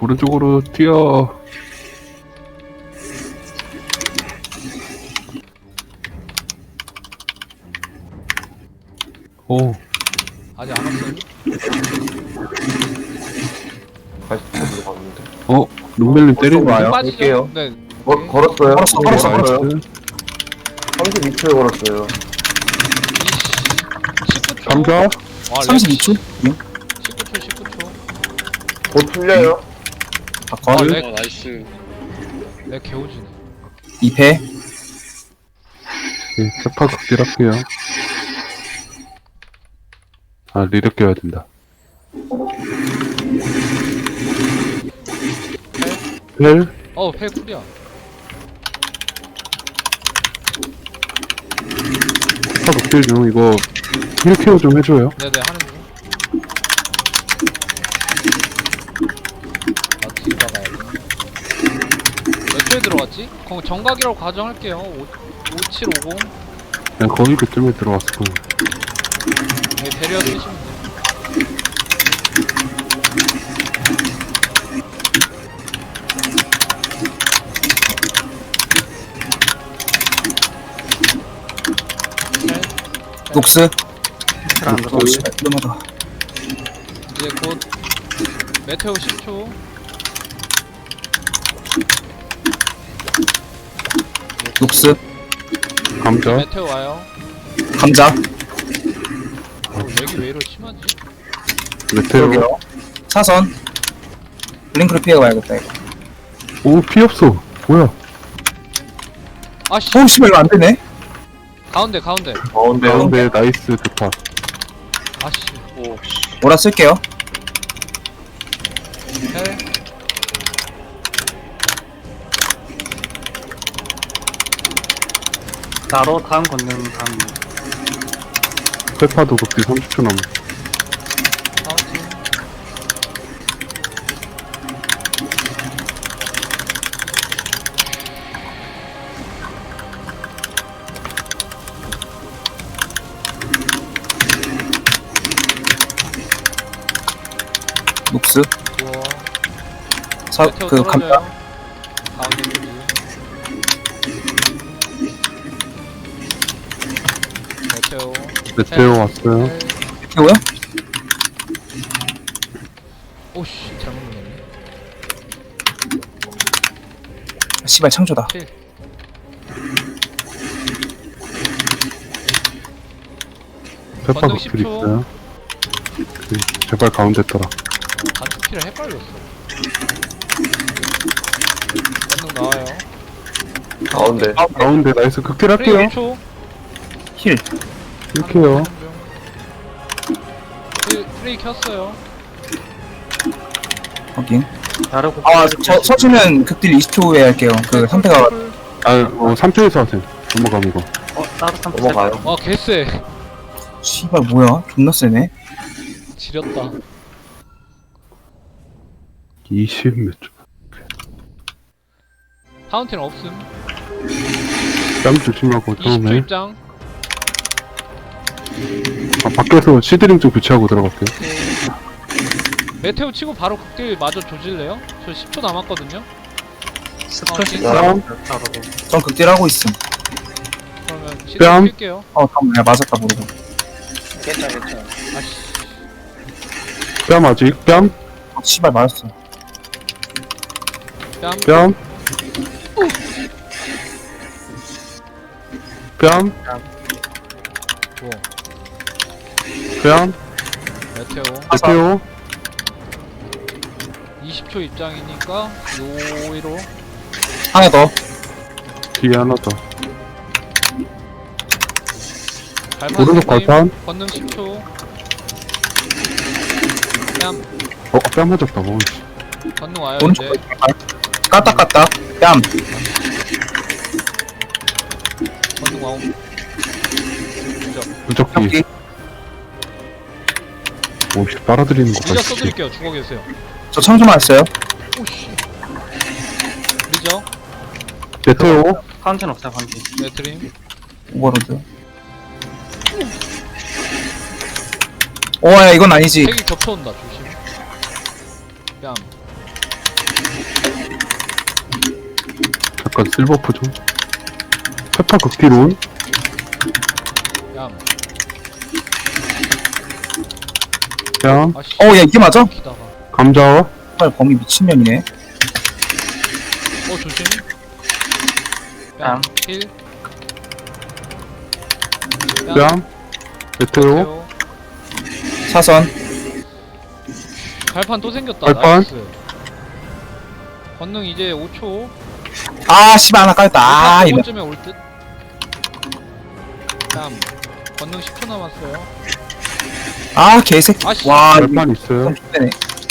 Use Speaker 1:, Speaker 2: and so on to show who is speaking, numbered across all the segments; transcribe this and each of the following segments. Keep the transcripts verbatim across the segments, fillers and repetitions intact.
Speaker 1: 오른쪽으로 뛰어. 오,
Speaker 2: 아직 안 왔어요?
Speaker 3: 다시 들어갔는데.
Speaker 1: 어, 룸벨님 때리는
Speaker 3: 와요.
Speaker 2: 빠지죠?
Speaker 3: 갈게요.
Speaker 2: 네.
Speaker 3: 거,
Speaker 2: 오케이.
Speaker 3: 걸었어요.
Speaker 4: 걸었어, 걸었어, 걸었어.
Speaker 3: 삼십이 초에 걸었어요.
Speaker 2: 십구 초.
Speaker 1: 감자.
Speaker 2: 와,
Speaker 4: 삼십이 초?
Speaker 2: 십구 초, 십구 초.
Speaker 3: 곧 풀려요.
Speaker 4: 바꿔.
Speaker 2: 아,
Speaker 1: 네.
Speaker 2: 렉.
Speaker 5: 나이스.
Speaker 2: 렉 개오지네.
Speaker 4: 이 패.
Speaker 1: 네, 세파 극딜할게요. 아, 리력 껴야 된다. 벨?
Speaker 2: 어, 펠 쿨이야.
Speaker 1: 세파 극딜 중 이거 힐 케어 좀 해줘요.
Speaker 2: 네네, 하는 중. 아, 뒤 박아야 돼. 몇 초에 들어갔지? 거 정각이라고 가정할게요. 오, 오칠오공.
Speaker 1: 그냥 거의 그쯤에 들어왔을 거예요.
Speaker 2: 네, 배리어 쓰시면 돼요.
Speaker 4: 녹스.
Speaker 1: 안
Speaker 4: 오, 씨발, 위험하다.
Speaker 2: 이제 곧 메테오 십 초.
Speaker 4: 녹스.
Speaker 1: 감자.
Speaker 2: 메테오 와요.
Speaker 4: 감자.
Speaker 2: 어, 렉이 왜 이렇게 심하지?
Speaker 1: 메테오.
Speaker 4: 여기요. 사선. 블링크를 피해가야겠다, 이거.
Speaker 1: 오, 피 없어. 뭐야?
Speaker 2: 아씨,
Speaker 4: 오, 씨발, 이거 안 되네?
Speaker 2: 가운데 가운데.
Speaker 3: 가운데.
Speaker 1: 가운데 나이스 대파.
Speaker 2: 아씨,
Speaker 5: 오, 씨.
Speaker 4: 오라 쓸게요.
Speaker 2: 펠.
Speaker 6: 나로 다음 걷는 다음
Speaker 1: 세파도 극딜 삼십 초 남았어.
Speaker 2: 카운팅.
Speaker 4: 녹스.
Speaker 2: 좋아.
Speaker 4: 사,
Speaker 2: 메테오
Speaker 4: 그,
Speaker 2: 떨어져요.
Speaker 4: 감자.
Speaker 2: 가운데 쪽이. 메테오.
Speaker 1: 메테오 왔어요.
Speaker 2: 펠.
Speaker 4: 피고요?
Speaker 2: 오씨, 잘못 눌렀네.
Speaker 4: 아, 씨발, 창조다.
Speaker 2: 킬.
Speaker 1: 세파
Speaker 2: 건능
Speaker 1: 극딜
Speaker 2: 십 초.
Speaker 1: 있어요. 그, 제발 가운데 떠라.
Speaker 2: 단축키를 헷갈렸어. 건능 나와요.
Speaker 3: 가운데.
Speaker 1: 가운데 나이스 극딜
Speaker 2: 프레이
Speaker 1: 할게요.
Speaker 2: 일 초.
Speaker 4: 힐.
Speaker 1: 이렇게요.
Speaker 2: 프레이, 프레이 켰어요.
Speaker 4: 확인.
Speaker 6: 다르고
Speaker 4: 아, 저, 서주면 극딜 이십 초 후에 할게요. 그, 선택가.
Speaker 2: 쿨.
Speaker 1: 아, 어, 삼 초에서 하세요. 넘어감 이거.
Speaker 6: 어 나도 삼
Speaker 3: 넘어가요.
Speaker 2: 와, 개쎄.
Speaker 4: 씨발, 뭐야? 존나 세네.
Speaker 2: 지렸다.
Speaker 1: 이십 몇 초.
Speaker 2: 파운틴 없음.
Speaker 1: 땀 조심하고
Speaker 2: 이십 초
Speaker 1: 처음에.
Speaker 2: 입장.
Speaker 1: 아, 밖에서 시드링 좀 교체하고 들어갈게요.
Speaker 2: 메테오 치고 바로 극딜 마저 조질래요? 저 십 초 남았거든요?
Speaker 6: 스프시
Speaker 2: 어,
Speaker 6: 다르고
Speaker 4: 전 극딜 하고 있음.
Speaker 2: 그러면 시드
Speaker 1: 뺨.
Speaker 2: 킬게요.
Speaker 4: 어, 잠깐만, 내가 맞았다, 모르고.
Speaker 5: 괜찮아, 괜찮아.
Speaker 2: 아씨.
Speaker 1: 뺨 아직. 뺨.
Speaker 4: 어, 씨발, 맞았어.
Speaker 2: 뺨.
Speaker 1: 뺨. 뺨.
Speaker 2: 뭐.
Speaker 1: 뺨.
Speaker 2: 메테오.
Speaker 1: 메테오.
Speaker 2: 이십 초 입장이니까 요이로.
Speaker 4: 하나 더.
Speaker 1: 뒤에 하나 더.
Speaker 2: 발판
Speaker 1: 오른쪽
Speaker 2: 선생님,
Speaker 1: 발판.
Speaker 2: 권능 십 초. 뺨.
Speaker 1: 어, 뺨 맞았다. 어, 씨.
Speaker 2: 권능 와요
Speaker 4: 오른쪽
Speaker 2: 이제.
Speaker 4: 까딱, 까딱. 뺨.
Speaker 2: 권능 와옴. 그죠.
Speaker 1: 무적기.
Speaker 4: 협기.
Speaker 1: 오씨, 빨아들이는 거
Speaker 2: 리저
Speaker 1: 봐.
Speaker 2: 써드릴게요. 죽어 계세요.
Speaker 4: 저 창조 맞았어요.
Speaker 2: 오씨. 리저.
Speaker 1: 메테오.
Speaker 6: 파운틴 없어요 파운틴
Speaker 2: 네 드림.
Speaker 4: 오버로드. 오, 야, 이건 아니지.
Speaker 2: 색이 겹쳐온다. 조심. 뺨.
Speaker 1: 잠깐 실버프 좀. 페파 극딜 온.
Speaker 2: 얌.
Speaker 1: 뺨.
Speaker 2: 아씨.
Speaker 4: 어, 야, 이게 맞아?
Speaker 2: 기다가.
Speaker 1: 감자.
Speaker 4: 발 범위 미친년이네.
Speaker 2: 어 조심.
Speaker 6: 뺨.
Speaker 2: 뺨. 힐.
Speaker 1: 뺨. 메테오.
Speaker 2: 메테오.
Speaker 4: 사선.
Speaker 2: 발판 또 생겼다.
Speaker 1: 발판?
Speaker 2: 나이스. 권능 이제 오 초.
Speaker 4: 아, 씨발, 하나 까였다. 아, 이거.
Speaker 2: 쯤에 올 듯. 뺨. 권능 십 초 남았어요.
Speaker 4: 아, 개새끼.
Speaker 2: 아씨.
Speaker 4: 와, 이거
Speaker 1: 발판 있어요.
Speaker 4: 좀 X되네.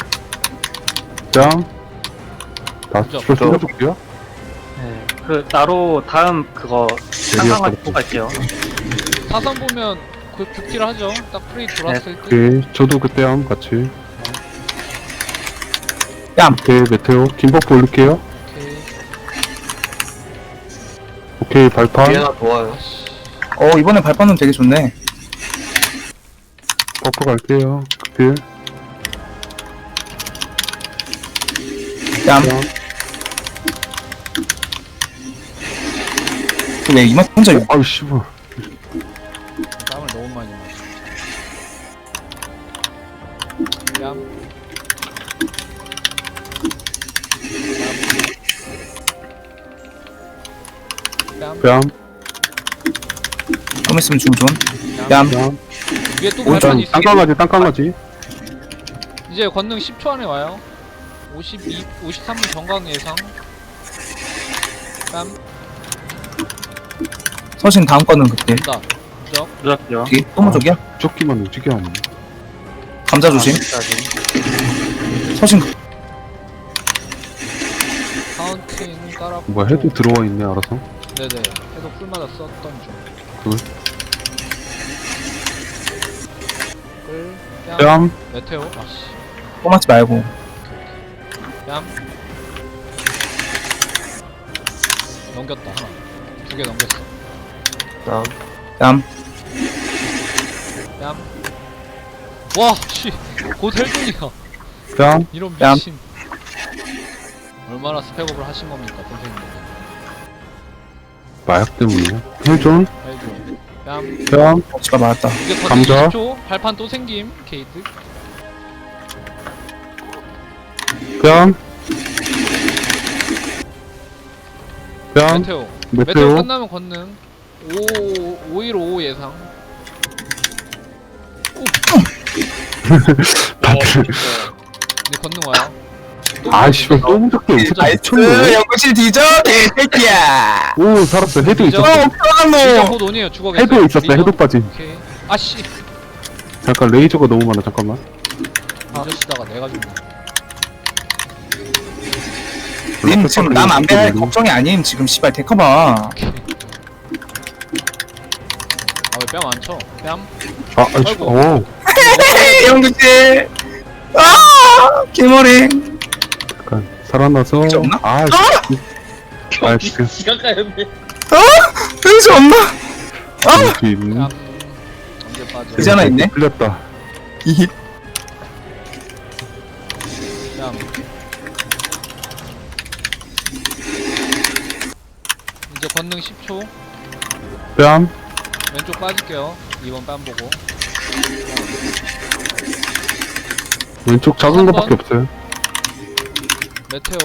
Speaker 1: 뺨. 다
Speaker 2: 그죠.
Speaker 1: 저 숨겨줄게요.
Speaker 6: 네. 그, 나로 다음 그거, 상상하고 보고 갈게요.
Speaker 2: 사선 보면 그 극딜 하죠. 딱 프레이 돌았을 때.
Speaker 1: 오케이. 저도 그때 함 같이.
Speaker 4: 뺨.
Speaker 1: 오케이. 메테오. 긴 버프 올릴게요.
Speaker 2: 오케이.
Speaker 1: 오케이. 발판.
Speaker 3: 뒤에나 좋아요.
Speaker 2: 아씨.
Speaker 4: 어, 이번에 발판은 되게 좋네.
Speaker 1: 버프 갈게요. 극딜.
Speaker 4: 뺨.
Speaker 1: 뺨.
Speaker 4: 왜 이만 혼자 이거.
Speaker 1: 아이 씨발.
Speaker 2: 땀을 너무 많이 마셔. 뺨. 뺨.
Speaker 1: 뺨.
Speaker 4: 좀 있으면 죽음 좋은.
Speaker 2: 뺨.
Speaker 4: 뺨.
Speaker 1: 뺨.
Speaker 2: 위에 또
Speaker 4: 오른쪽
Speaker 2: 발판 있어.
Speaker 1: 땅강아지 땅강아지.
Speaker 2: 이제 권능 십 초 안에 와요. 오십이, 오십삼 분 정강 예상. 뺨.
Speaker 4: 서신 다음 거는 그때.
Speaker 2: 온다. 무적.
Speaker 6: 누락게요.
Speaker 4: 여기 또무적이야?
Speaker 1: 무적기만 움직여 하네.
Speaker 4: 감자 조심. 서신
Speaker 2: 카운팅 따라.
Speaker 1: 뭐야 해도 들어와 있네 알아서.
Speaker 2: 네네. 해도 풀마다 썼던 중.
Speaker 1: 굿.
Speaker 2: 끌. 뺨.
Speaker 1: 뺨.
Speaker 2: 메테오. 아씨.
Speaker 4: 또 맞지 말고.
Speaker 2: 뺨. 넘겼다 하나. 두 개 넘겼어.
Speaker 3: 다음.
Speaker 4: 뺨.
Speaker 2: 뺨. 와, 씨. 곧 헬종이야.
Speaker 1: 뺨.
Speaker 2: 이런
Speaker 4: 뺨.
Speaker 2: 미친. 얼마나 스펙업을 하신 겁니까, 선생님?
Speaker 1: 마약 때문이야. 헬존.
Speaker 2: 헬종. 뺨.
Speaker 1: 뺨.
Speaker 4: 어, 지가 맞았다.
Speaker 2: 이제 거의
Speaker 1: 감자.
Speaker 2: 이십 초. 발판 또 생김. 게이트.
Speaker 1: 뺨. 뺨.
Speaker 2: 메테오. 메테오
Speaker 1: 메테오.
Speaker 2: 끝나면 권능. 오, 오일오 예상.
Speaker 1: 다들.
Speaker 2: 이제 권능 와요. 또
Speaker 1: 아 씨발 또 무적기 엄청
Speaker 4: 나이스.
Speaker 1: 미쳤네.
Speaker 4: 연구실 뒤져. 개새끼야.
Speaker 1: 오 살았어. 해도
Speaker 2: 뒤져.
Speaker 1: 있었어.
Speaker 4: 어,
Speaker 2: 리저
Speaker 4: 평안로.
Speaker 2: 곧 온이에요. 죽어겠어요.
Speaker 1: 해도 있었어.
Speaker 2: 리저.
Speaker 1: 해도 빠짐.
Speaker 2: 오케이. 아씨.
Speaker 1: 잠깐 레이저가 너무 많아. 잠깐만.
Speaker 2: 리저 쓰다가 내가 죽네.
Speaker 4: 님 지금 남 안 배할 걱정이 아님. 지금 씨발 데커봐.
Speaker 2: 오케이. 아, 왜 뺨 안 쳐? 뺨?
Speaker 1: 아, 아이씨.
Speaker 2: 아이고.
Speaker 1: 오.
Speaker 4: 연구실. 아, 개머리.
Speaker 1: 잠깐 살아나서.
Speaker 4: 레이저 없나?
Speaker 1: 아, 씨. 아, 지금
Speaker 4: 왠지 없나?
Speaker 1: 여기 있는.
Speaker 2: 뺨. 언제 빠져?
Speaker 4: 의자 하나 있네?
Speaker 1: 풀렸다.
Speaker 4: 이
Speaker 2: 뺨. 이제 권능 십 초.
Speaker 1: 뺨.
Speaker 2: 왼쪽 빠질게요. 이번 뺨 보고.
Speaker 1: 왼쪽 작은
Speaker 2: 한
Speaker 1: 거밖에
Speaker 2: 번.
Speaker 1: 없어요.
Speaker 2: 메테오.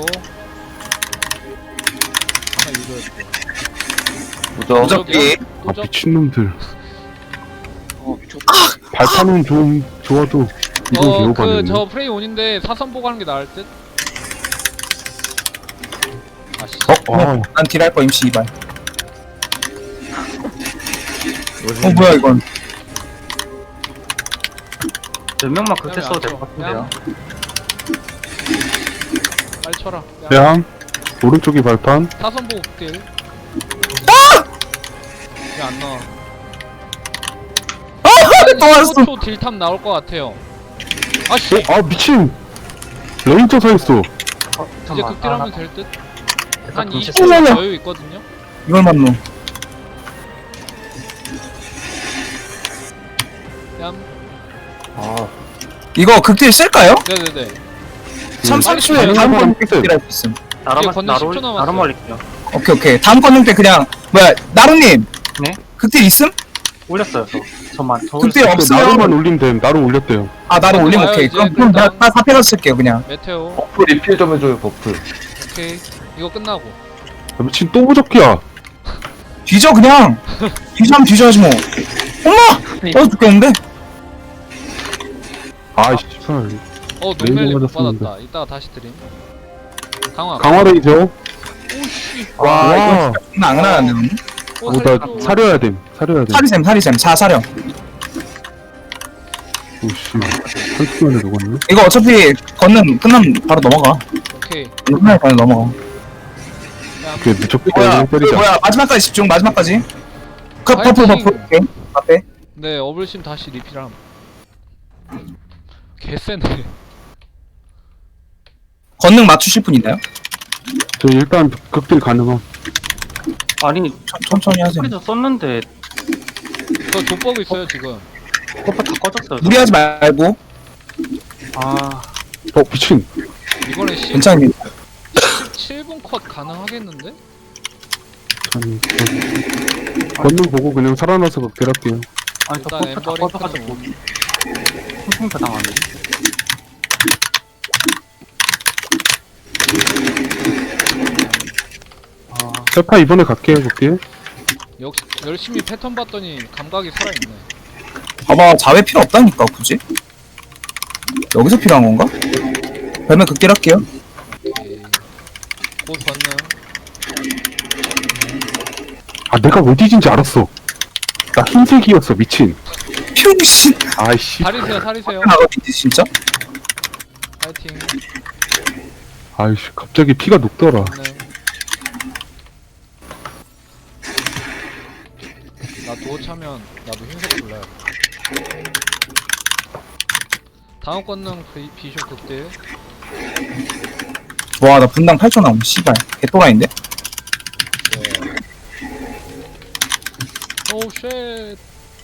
Speaker 2: 하나 유도했고.
Speaker 3: 무적.
Speaker 4: 무적기.
Speaker 1: 아 미친놈들.
Speaker 5: 어, 미쳤다.
Speaker 1: 발판은 좀 좋아도 이건
Speaker 2: 어, 그,
Speaker 1: 개오바네.
Speaker 2: 저 프레이 온인데 사선 보고 하는 게 나을 듯? 아씨.
Speaker 1: 어? 아,
Speaker 4: 난 딜할 거 임시 이발. 어 뭐야 이건?
Speaker 6: 몇 명만 그렇게
Speaker 2: 뺨이
Speaker 6: 써도
Speaker 2: 안
Speaker 6: 될
Speaker 2: 쳐.
Speaker 6: 것 같은데요.
Speaker 2: 빨리 쳐라.
Speaker 1: 뺨. 오른쪽이 발판.
Speaker 2: 사선 보고 극딜. 왜 안 나와?
Speaker 4: 또 왔어.
Speaker 2: 십오 초 딜탑 나올 것 같아요. 아씨.
Speaker 1: 어? 아 미친. 레이저 서 있어.
Speaker 6: 어,
Speaker 2: 이제
Speaker 6: 잠깐만.
Speaker 2: 극딜하면 될 듯? 한
Speaker 6: 좀
Speaker 2: 이십 초
Speaker 4: 어머나.
Speaker 2: 여유 있거든요?
Speaker 4: 이걸 맞노.
Speaker 2: 뺨.
Speaker 3: 아,
Speaker 4: 이거 극딜 쓸까요?
Speaker 2: 네네네.
Speaker 4: 삼, 삼 초에
Speaker 2: 빨리
Speaker 4: 다음
Speaker 1: 빨리
Speaker 4: 건
Speaker 1: 빨리
Speaker 4: 극딜할 수 있음.
Speaker 6: 나로
Speaker 2: 이제 건너
Speaker 6: 나로
Speaker 2: 십 초 남았어요.
Speaker 6: 나로 말릴게요.
Speaker 4: 오케이 오케이 다음 건능 때 그냥 뭐야 나루님
Speaker 6: 네?
Speaker 4: 극딜 있음?
Speaker 6: 올렸어요 저. 저만 저
Speaker 4: 극딜
Speaker 6: 올렸어요.
Speaker 4: 없으면
Speaker 1: 나루만 올리면 됨. 나루 올렸대요.
Speaker 4: 아 나루 올림
Speaker 2: 와요,
Speaker 4: 오케이
Speaker 2: 이제
Speaker 4: 그럼 그럼
Speaker 2: 일단.
Speaker 4: 나다 사패가 쓸게요 그냥.
Speaker 2: 메테오.
Speaker 3: 버프 리필 좀 해줘요, 버프.
Speaker 2: 오케이. 이거 끝나고.
Speaker 1: 아, 미친 또 무적기야.
Speaker 4: 뒤져 그냥 뒤져 하면 뒤져야지 뭐. 엄마! 어 죽겠는데?
Speaker 1: 아이씨, 설.
Speaker 2: 어
Speaker 1: 레이저
Speaker 2: 노멜리 못
Speaker 1: 맞았었는데.
Speaker 2: 받았다. 이따가 다시 드림. 강화.
Speaker 1: 강화레이저.
Speaker 2: 오씨.
Speaker 4: 와
Speaker 1: 와.
Speaker 4: 이거 진짜 안 하나는데.
Speaker 2: 어,
Speaker 1: 어, 나
Speaker 2: 살려줘.
Speaker 1: 사려야 됨. 사려야 됨.
Speaker 4: 사리샘 사리샘 사 사령.
Speaker 1: 오씨. 한 시간에 녹았네.
Speaker 4: 이거 어차피 건능 끝나면 바로 넘어가.
Speaker 2: 오케이.
Speaker 4: 끝나면 바로 넘어가.
Speaker 2: 야,
Speaker 1: 오케이, 무적기
Speaker 4: 뭐야
Speaker 1: 때문에
Speaker 4: 그
Speaker 1: 때리자.
Speaker 4: 뭐야 마지막까지 집중 마지막까지. 그 버프
Speaker 2: 파이팅!
Speaker 4: 버프 오케이 앞에.
Speaker 2: 네 어블심 다시 리필함. 개쎄네.
Speaker 4: 건능 맞추실 분 있나요?
Speaker 1: 저 일단 극딜 가능함.
Speaker 6: 아니
Speaker 4: 천, 천천히 하세요.
Speaker 6: 소리도 썼는데
Speaker 2: 저 족버그 있어요 지금.
Speaker 6: 버프 다 꺼졌어요. 저.
Speaker 4: 무리하지 말고
Speaker 6: 아
Speaker 1: 어, 미친.
Speaker 2: 이번에 십,
Speaker 4: 괜찮습니다.
Speaker 2: 십칠 분 컷 가능하겠는데?
Speaker 1: 아니, 저- 걷는 보고 그냥 살아나서 극딜할게요.
Speaker 6: 아니 저
Speaker 2: 일단
Speaker 6: 버프 다
Speaker 2: 엠버링
Speaker 6: 꺼져가지고 풍풍 당하네. 아
Speaker 1: 세파 이번에 갈게요, 극딜.
Speaker 2: 역시 열심히 패턴 봤더니 감각이 살아있네.
Speaker 4: 봐봐 자회 필요 없다니까 굳이. 여기서 필요한 건가? 그러면 극딜 할게요.
Speaker 2: 오케이. 곧 건능.
Speaker 1: 아, 내가 왜 뒤진지 알았어. 나 흰색이었어, 미친.
Speaker 4: 평신
Speaker 1: 아이씨.
Speaker 2: 살이세요 살이세요.
Speaker 4: 나가겠지 진짜?
Speaker 2: 파이팅.
Speaker 1: 아이씨, 갑자기 피가 녹더라.
Speaker 2: 건능. 나 도어 차면 나도 흰색 골라요. 다음 건능 비- 비숍 극딜.
Speaker 4: 와 나 분당 팔 초 나옴 씨발 개또라인데?
Speaker 2: 네. 오우 쉣.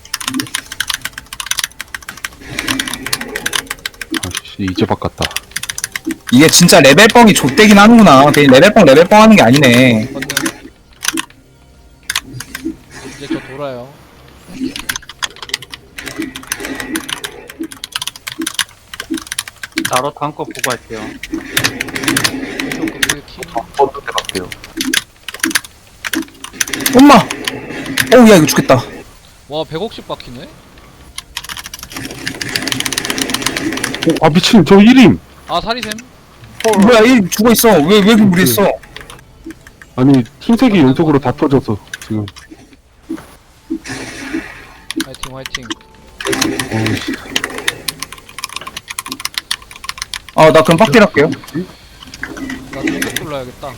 Speaker 1: 아이씨, 이제 바꿨다.
Speaker 4: 이게 진짜 레벨뻥이 좆되긴 하는구나. 괜히 레벨뻥 레벨뻥 하는 게 아니네.
Speaker 2: 건능. 이제 저 돌아요.
Speaker 6: 나로 다음 거 보고 할게요.
Speaker 2: 비숍 극딜 키.
Speaker 3: 버프 때 갈게요.
Speaker 4: 엄마! 어우 야 이거 죽겠다.
Speaker 2: 와 백억씩 박히네?
Speaker 1: 어, 아, 미친, 저 일 임.
Speaker 2: 아 사리샘?
Speaker 4: 뭐야 얘 죽어있어. 왜 왜 이렇게 무리했어?
Speaker 1: 아니, 흰색이 연속으로 다 터져서, 지금.
Speaker 2: 화이팅 화이팅.
Speaker 1: 어이씨.
Speaker 4: 아 나 그럼 빡딜 할게요.
Speaker 2: 나 중국 불러야겠다.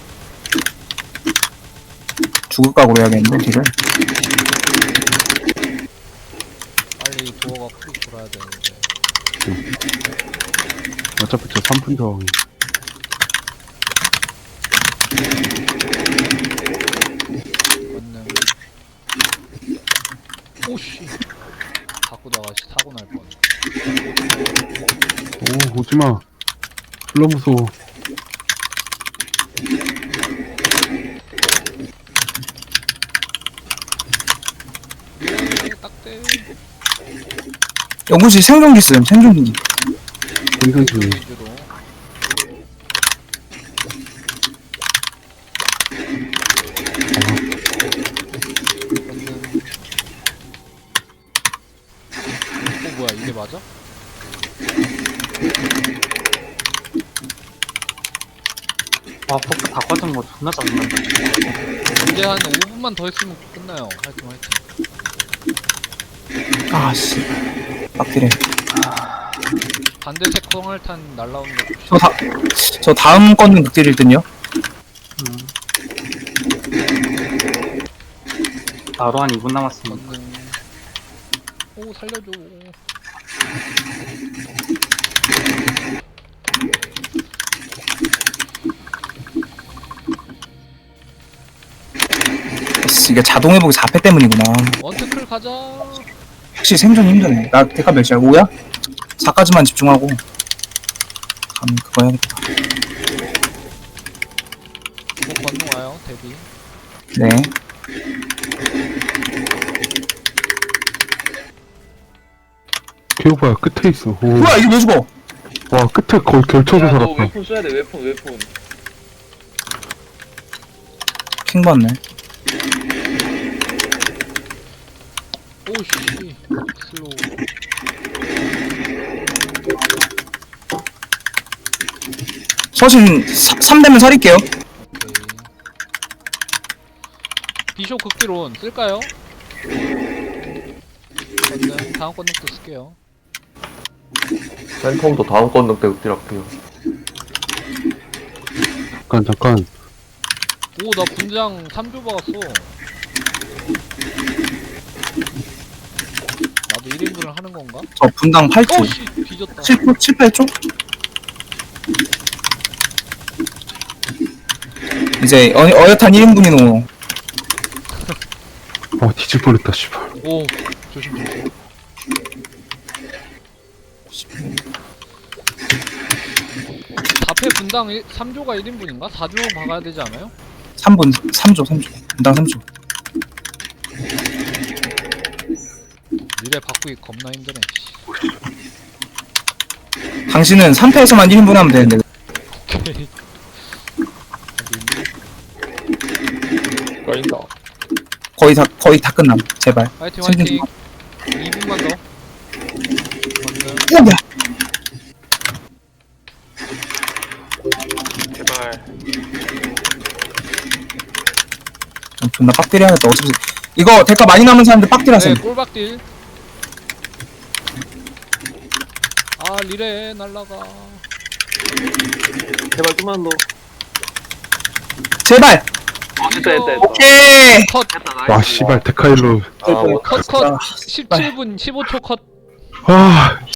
Speaker 4: 죽을 각오로 해야겠는데 딜을.
Speaker 2: 빨리 도어가 크게 돌아야 되는데.
Speaker 1: 어차피 저 삼 분 저항이.
Speaker 2: 건능. 오씨. 바꾸다가 씨 사고 날 뻔.
Speaker 1: 오, 오지마. 졸라 무서워.
Speaker 2: 예, 딱대.
Speaker 4: 연구실 생존기 쓰음 생존기.
Speaker 1: 괜찮지.
Speaker 2: 위주로. 건능. 어 뭐야 이게 맞아?
Speaker 6: 와 버프 다 꺼진 거 존나 짜증난다.
Speaker 2: 이제 한 오 분만 더 했으면 끝나요. 화이팅 화이팅.
Speaker 4: 아씨 빡딜해.
Speaker 2: 반대색 콩알탄 날라오는 거 봅시다.
Speaker 4: 저, 다, 저 다음 건는 극딜일 듯요.
Speaker 6: 음. 나로 한 이 분 남았습니다.
Speaker 2: 건능. 오 살려줘.
Speaker 4: 이게 자동 회복이 사 패 때문이구나.
Speaker 2: 원트클 가자.
Speaker 4: 확실히 생존이 힘드네. 나 데카 몇이야? 오야? 사까지만 집중하고 다음 그거 해야겠다.
Speaker 2: 뭐 건능 와요 대비.
Speaker 4: 네.
Speaker 1: 개오바야 끝에 있어. 오.
Speaker 4: 뭐야 이게 왜 죽어?
Speaker 1: 와 끝에 거의 결쳐서
Speaker 5: 야, 너
Speaker 1: 살았다.
Speaker 5: 웨폰 써야 돼, 웨폰, 웨폰.
Speaker 4: 킹 받네.
Speaker 2: 오씨 슬로우.
Speaker 4: 서신 삼 되면 살릴게요.
Speaker 2: 오케이. 비숍 극딜온 쓸까요? 건능 다음 건능도 쓸게요.
Speaker 3: 팬텀도 다음 건능 때 극딜할게요.
Speaker 1: 잠깐 잠깐.
Speaker 2: 오 나 분장 삼 조 박았어. 나도 일 인분을 하는 건가?
Speaker 4: 저 분당 팔 초.
Speaker 2: 오씨 뒤졌다.
Speaker 4: 칠, 칠, 팔 초? 이제 어, 어엿한 일 인분이노.
Speaker 1: 와 뒤질 뻔했다 씨발.
Speaker 2: 오 조심 조심. 자폐 분당 삼 조가 일 인분인가? 사 조 박아야 되지 않아요?
Speaker 4: 삼 분, 삼 조, 삼 조. 분당 삼 조.
Speaker 2: 미래 바꾸기 겁나 힘드네. 씨.
Speaker 4: 당신은 삼 패에서만 일 인분 하면 되는데.
Speaker 2: 오케이.
Speaker 5: 까인다.
Speaker 4: 거의 다, 거의 다 끝남. 제발.
Speaker 2: 화이팅
Speaker 4: 생긴
Speaker 2: 화이팅. 이 분만 더. 건능.
Speaker 4: 오, 야!
Speaker 5: 제발.
Speaker 4: 좀 존나 빡딜 해야겠다. 어차피. 이거 대가 많이 남은 사람들 빡딜 하세요.
Speaker 2: 네 꼴박딜. 아 리레 날라가.
Speaker 5: 제발 좀만 더.
Speaker 4: 제발!
Speaker 5: 어, 됐다, 됐다, 됐다.
Speaker 4: 오케이!
Speaker 2: 컷.
Speaker 5: 됐다, 나이스.
Speaker 1: 와 씨발 데카일로.
Speaker 3: 아, 원-
Speaker 2: 컷 컷. 십칠 분 십오 초 컷.
Speaker 1: 아